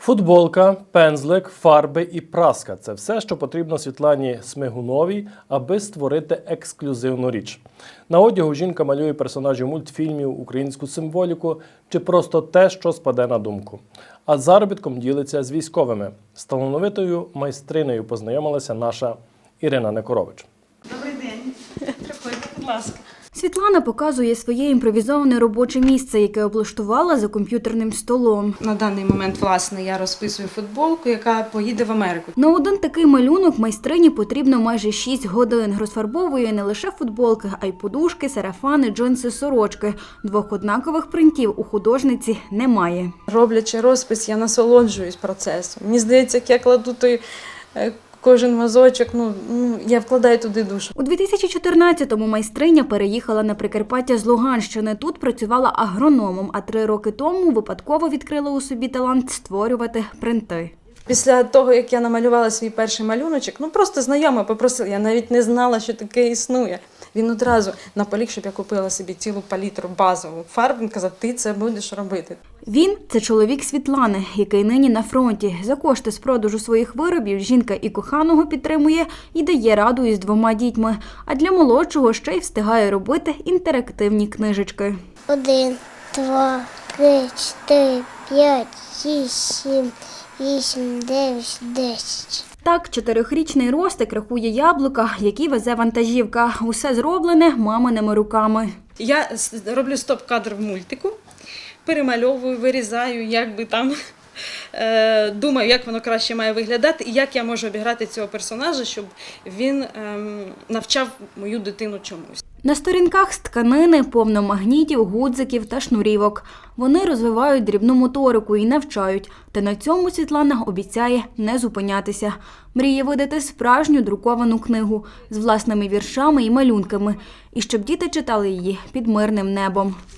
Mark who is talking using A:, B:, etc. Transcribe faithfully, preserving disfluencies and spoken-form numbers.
A: Футболка, пензлик, фарби і праска – це все, що потрібно Світлані Смигуновій, аби створити ексклюзивну річ. На одягу жінка малює персонажів мультфільмів, українську символіку чи просто те, що спаде на думку. А заробітком ділиться з військовими. З талановитою майстринею познайомилася наша Ірина Некорович.
B: Добрий день. Приходьте, будь ласка.
C: Світлана показує своє імпровізоване робоче місце, яке облаштувала за комп'ютерним столом.
B: На даний момент, власне, я розписую футболку, яка поїде в Америку.
C: На один такий малюнок майстрині потрібно майже шість годин. Розфарбовує не лише футболки, а й подушки, сарафани, джинси, сорочки. Двох однакових принтів у художниці немає.
B: Роблячи розпис, я насолоджуюсь процесом. Мені здається, як я кладу той е, кожен мазочок, ну, ну, я вкладаю туди душу.
C: У дві тисячі чотирнадцятому майстриня переїхала на Прикарпаття з Луганщини. Тут працювала агрономом, а три роки тому випадково відкрила у собі талант створювати принти.
B: Після того, як я намалювала свій перший малюночок, ну просто знайома попросила, я навіть не знала, що таке існує. Він одразу наполіг, щоб я купила собі цілу палітру базову фарб. Він казав, ти це будеш робити.
C: Він – це чоловік Світлани, який нині на фронті. За кошти з продажу своїх виробів жінка і коханого підтримує, і дає раду із двома дітьми. А для молодшого ще й встигає робити інтерактивні книжечки.
D: Один, два, три, чотири, п'ять, шість, сім, вісім, дев'ять, десять.
C: Так, чотирьохрічний Ростик рахує яблука, які везе вантажівка. Усе зроблене маминими руками.
B: Я роблю стоп-кадр в мультику, перемальовую, вирізаю, як би там, е, думаю, як воно краще має виглядати і як я можу обіграти цього персонажа, щоб він е, навчав мою дитину чомусь.
C: На сторінках з тканини повно магнітів, гудзиків та шнурівок. Вони розвивають дрібну моторику і навчають. Та на цьому Світлана обіцяє не зупинятися. Мріє видати справжню друковану книгу з власними віршами і малюнками. І щоб діти читали її під мирним небом.